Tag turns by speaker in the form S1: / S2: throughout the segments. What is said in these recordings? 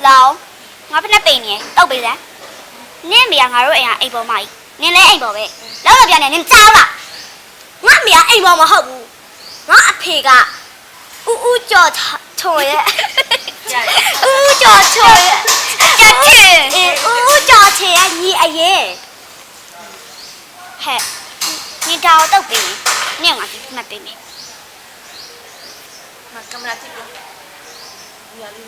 S1: 老，我不那背呢，倒背噻。你没呀？我哎呀，哎包嘛，你来哎包呗。老那边呢，你糟了。
S2: 我没呀，哎包嘛好不？我阿皮个，乌叫错的，乌叫错的，
S1: 叫去。
S2: 乌叫错的，你阿爷。
S1: 嘿，你找倒背，你我是那背呢。
S3: 那干嘛这个？压力。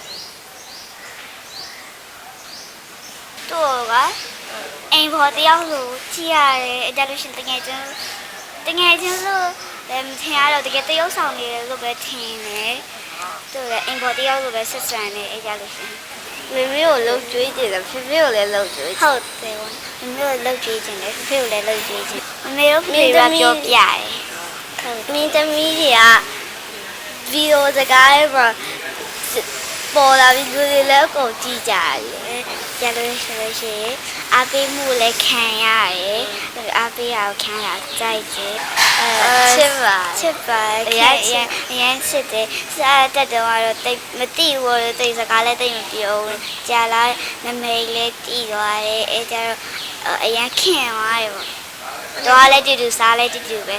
S1: 对个，哎包的要路，只呀嘞，假如是等下就唔听下咯，这个都有上的，都不听呢。对个，哎包的要路不是算的，假如是。
S2: 妹妹有漏嘴的了，妹妹有来漏嘴。
S1: 好对哇，妹妹有漏嘴的嘞，妹妹有来漏嘴的，妹妹有妹妹表表的。
S2: 明天米呀，video 这个嘛，播了 video 了够几家嘞。
S1: 假如是阿贝母来看呀的，阿贝要看呀在这，
S2: 吃饭，
S1: 人吃的，是啊，这的话对，没地我对这个来对没表，家来那没来地的话嘞，假如人看话哟，多来就啥来就呗。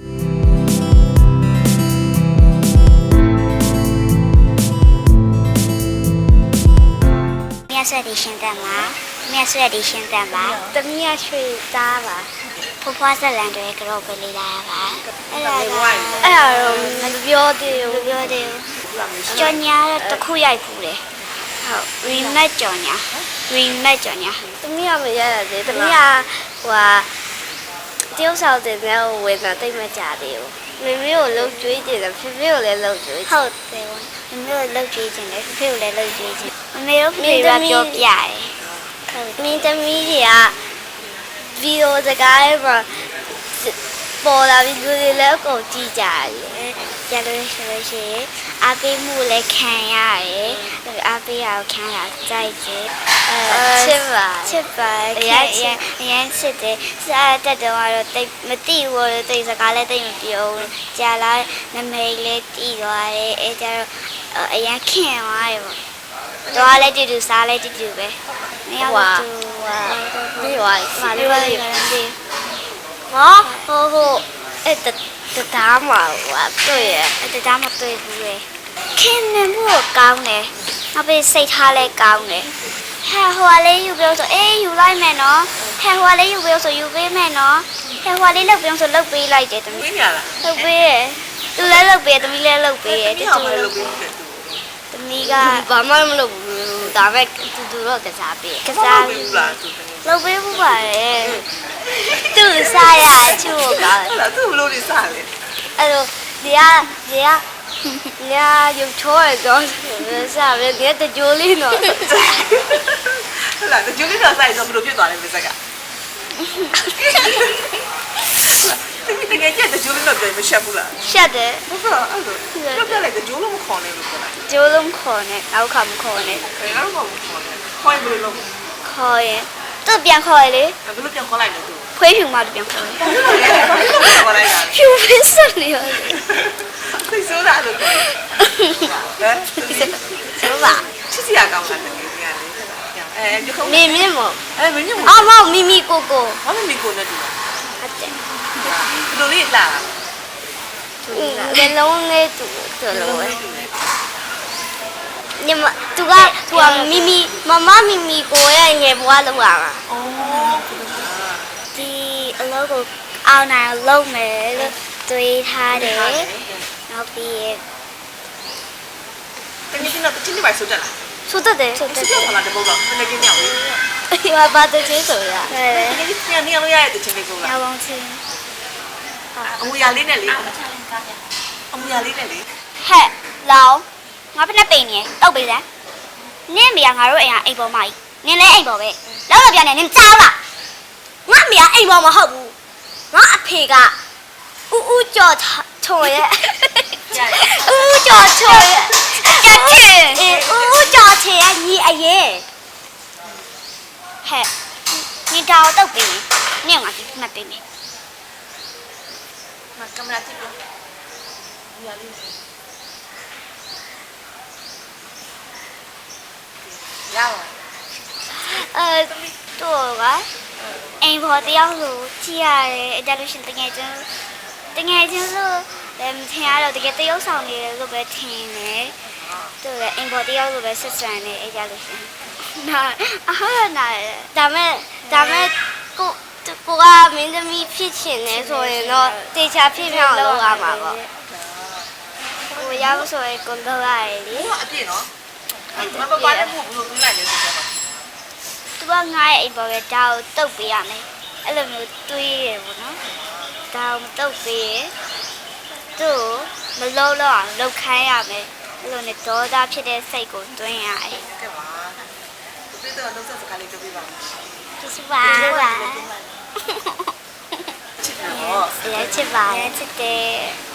S1: 面睡的现在吗？面睡的现在吗？
S2: 怎么样睡咋吧？
S1: 婆婆在两对个老婆里来吧？
S2: 哎呀，那表的，
S1: 表的，叫伢都苦也苦嘞。好，为咩叫伢？为咩叫伢？
S2: 怎么样没呀的？怎么样话？丢少的那为那对么家的哟？妹妹有漏嘴的了，妹妹有来漏嘴。
S1: 好对哇，妹妹有漏嘴的嘞，妹妹有来漏嘴的，妹妹有妹妹表表的。
S2: 明天米呀，video 这个嘛，播了 video 了够几家嘞？
S1: 假如是阿贝母来看呀的，阿贝要看呀在这，吃饭，人吃的，是啊，这的话对没地我对这个来对没表，家来那没来地的话嘞，假如人看话哟，多来就啥来就呗。没有
S2: 哇，没话，嘛你话有。我哎，得打嘛，话对呀，
S1: 得打嘛对不嘞？看呢不高呢，我被谁他来高呢？还话嘞又不要说哎又来咩喏？还话嘞又不要说又被咩喏？还话嘞不要说老被来的，
S3: 没呀啦。
S1: 老被，又来老被，怎么来老被？这做老被。怎么个？
S2: 爸妈们都大概都了个啥呗？
S1: 个啥？老被不管嘞，都啥呀？就我搞。
S3: 那都不老的啥嘞？
S2: 哎呦，你呀有错的讲啥呗？你在酒里呢？
S3: 那酒里头啥也不都别多了，没这个。你人家在酒里头别没学过了。
S1: 晓得。
S3: 不是，那别来个酒龙考呢，不
S1: 酒龙考呢，我考不考呢？
S3: 哎，那我不考呢，考也不能弄。
S1: 考耶，这边考的。
S3: 那不是边考来的都。
S1: 培训嘛，这边考的。有本事了。
S3: 会手啥都可以。哎，
S1: 手吧。
S3: 其实也干不干的，哎，就很。
S2: 咪咪么？
S3: 哎，咪咪么？
S2: 啊嘛，咪咪哥哥。
S3: 我咪咪哥那地方。
S1: 好的。
S3: 不都里啦？
S2: 在弄那度，在弄哎。你们这个咪咪妈妈咪咪哥呀，你不玩了玩嘛？
S3: 哦。
S1: ဒီအလုပ်ကိုအောင်နိုင်လုပ်မယ်လို့တွေးထားတယ်နောက်ပြီးရ
S3: တကယ်ချင်းတော့ချင်းတွေပါဆိုကြလား
S1: ဆိုတတ်တယ်
S3: ဆိုကြလားတပုတ်တော့တကယ်မြောက်လေး
S2: အေးဘာတချင်းဆိုရ
S1: ဟဲ့
S3: တကယ်ချင်းနေရလို့ရတဲ့ချင်းလေးကို
S1: ညော
S3: လား
S1: င်ပေါင်းချင်း
S3: အမူအရာလေးနဲ့လေအမူအရာလေးနဲ့လေ
S1: ဟဲ့လောင်ငါဖက်နဲ့ပိန်နေတောက်ပေးစမ်းနင်းမရငါတို့အိမ်ကအိမ်ပေါ်မကြီးနင်းလဲအိမ်ပေါ်ပဲလောက်တော့ပြန်နေနင်းကြောက်လား
S2: ငါမရအိမ်ပေါ်မဟုတ်ဘူးငါအဖေကဥကြော်ချုံရဲ့ဥကြော်ချုံရဲ့
S1: ကြက်ချင်
S2: အေးဥကြော်ချင်ရဲ့ညီအရင်
S1: ဟဲ့နင်းတောက်တောက်ပေးနင်းငါဒီမှတ်ပေးမယ်
S3: မကင်မရာကြည့်လို့အမူအရာလေးရပါ
S1: တော့ကအိမ်ပေါ်တယောက်လိုကြည့်ရတယ်အဲ့ဒါလို့ရှင်တကယ်ချင်းလို့လည်းမထင်ရတော့တကယ်တယောက်ဆောင်နေတယ်လို့ပဲထင်တယ်သူလည်းအိမ်ပေါ်တယောက်လိုပဲဆက်ဆံနေအဲ့ဒါလို့ရှင်နာနာ
S2: ဒါမဲ့ကိုကမင်းသမီးဖြစ်ချင်တယ်ဆိုရင်တော့တေချာဖြစ်မြောက်လုပ်ရမှာပေါ့
S1: ကိုရောက်ဆိုရင်ကိုတော့ရတယ်လေ
S3: ဘူးအပြည့်နော်မပါတဲ့ဘူးဘလို့ပြီးလိုက်လဲဆိုတော့
S1: သူကငါ့ရဲ့အိမ်ပေါ်ကဒါကိုတုတ်ပေးရမယ်အဲ့လိုမျိုးတွေးရပေါ့နော်ဒါကိုမတုတ်ပေးရင်သူ့မလုံးတော့အောင်လှုပ်ခိုင်းရမယ်အဲ့လိုနဲ့ဒေါသဖြစ်တဲ့စိတ်ကိုတွင်းရတယ်
S3: ကဲပါဒီတော့လုံးစစကားလေးပြောပြပါဦး
S1: ကျေးဇူးပါချစ်တယ်